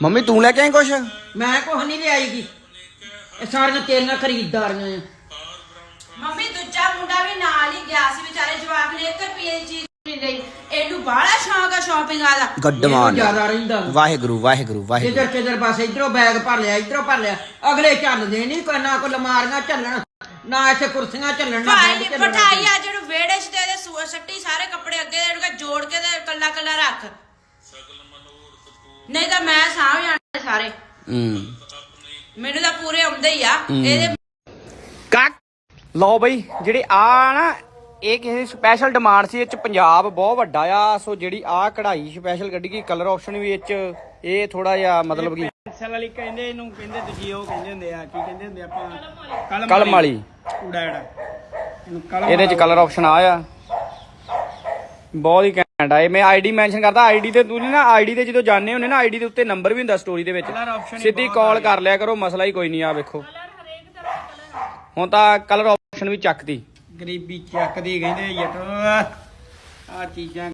Mummy ਤੂੰ ਲੈ ਕੇ ਆਈ ਕੁਛ? ਮੈਂ ਕੁਛ ਨਹੀਂ ਲਿਆਈਗੀ, ਇਹ ਸਾਰੀਆਂ ਤੇਰੀਆਂ ਖਰੀਦਦਾਰੀਆਂ ਆ। ਮੰਮੀ ਦੂਜਾ ਮੁੰਡਾ ਵੀ ਨਾਲ ਹੀ ਗਿਆ ਸੀ ਵਿਚਾਰੇ ਜਵਾਕ ਨੇ 1 ਰੁਪਏ ਦੀ ਚੀਜ਼ ਨਹੀਂ ਲਈ। ਇਹਨੂੰ ਬਾਹਲਾ ਸ਼ੌਂਕ ਆ ਸ਼ਾਪਿੰਗ ਦਾ। ਗੱਡਮਾਨ ਜ਼ਿਆਦਾ ਰਹਿੰਦਾ ਵਾਹਿਗੁਰੂ ਵਾਹਿਗੁਰੂ ਵਾਹਿਗੁਰੂ। ਜਿੱਧਰ ਕਿਧਰ ਬਸ ਇਧਰੋਂ ਬੈਗ ਭਰ ਲਿਆ, ਇਧਰੋਂ ਭਰ ਲਿਆ। ਅਗਲੇ ਚੱਲਦੇ ਨਹੀਂ, ਕੋਈ ਨਾ ਕੋਈ ਲਮਾਰੀਆਂ ਚੱਲਣ, ਨਾ ਇੱਥੇ ਕੁਰਸੀਆਂ ਚੱਲਣ, ਨਾ ਭਾਈ ਬੈਗ ਚੱਲਣ। ਬਿਠਾਈ ਆ ਜਿਹਨੂੰ ਵਿਹੜੇ 'ਚ ਤੇ ਇਹਦੇ ਸੱਟੀ ਸਾਰੇ ਕੱਪੜੇ ਅੱਗੇ ਦੇ ਜੋੜ ਕੇ ਤੇ ਕੱਲਾ ਕੱਲਾ ਰੱਖ, ਨਹੀਂ ਤਾਂ ਮੈਂ ਸਾਂਭ ਜਾਣੇ ਸਾਰੇ। ਮੈਨੂੰ ਤਾਂ ਪੂਰੇ ਆਉਂਦੇ ਹੀ ਆ ਇਹਦੇ। ਲਓ ਬਈ ਜਿਹੜੇ ਆ ਨਾ ਇਹ ਕਿਸੇ ਸਪੈਸ਼ਲ ਡਿਮਾਂਡ ਸੀ, ਇਹ ਚ ਪੰਜਾਬ ਬਹੁਤ ਵੱਡਾ ਆ। ਸੋ ਜਿਹੜੀ ਆ ਕਢਾਈ ਸਪੈਸ਼ਲ ਕੱਢੀ ਗਈ, ਕਲਰ ਆਪਸ਼ਨ ਵੀ ਇਹ ਥੋੜਾ ਜਿਹਾ ਮਤਲਬ ਕਿ ਪੈਨਸਲ ਵਾਲੀ ਕਹਿੰਦੇ ਇਹਨੂੰ, ਕਹਿੰਦੇ ਦੂਜੀ ਉਹ ਕਹਿੰਦੇ ਹੁੰਦੇ ਆ, ਕੀ ਕਹਿੰਦੇ ਹੁੰਦੇ ਆਪਾਂ, ਕਲਮ ਵਾਲੀ। ਕੂੜਾ ਜਿਹੜਾ ਇਹਨੂੰ ਕਲਮ, ਇਹਦੇ ਚ ਕਲਰ ਆਪਸ਼ਨ ਆ ਬਹੁਤ ਹੀ ਘੈਂਟ ਆ। ਇਹ ਮੈਂ ਆਈਡੀ ਮੈਂਸ਼ਨ ਕਰਦਾ, ਆਈਡੀ ਤੇ ਤੁਸੀਂ ਨਾ ਆਈਡੀ ਤੇ ਜਦੋਂ ਜਾਣੇ ਹੁੰਦੇ ਨਾ, ਆਈਡੀ ਦੇ ਉੱਤੇ ਨੰਬਰ ਵੀ ਹੁੰਦਾ ਸਟੋਰੀ ਦੇ ਵਿੱਚ, ਸਿੱਧੀ ਕਾਲ ਕਰ ਲਿਆ ਕਰੋ, ਮਸਲਾ ਹੀ ਕੋਈ ਨਹੀਂ। ਆ ਵੇਖੋ ਹੁਣ ਤਾਂ ਕਲਰ ਆਪਸ਼ਨ ਵੀ ਚੱਕਦੀ। ਗਰੀਬੀ ਚੱਕਦੀ ਕਹਿੰਦੇ ਯਾਰ ਆ ਚੀਜ਼ਾਂ।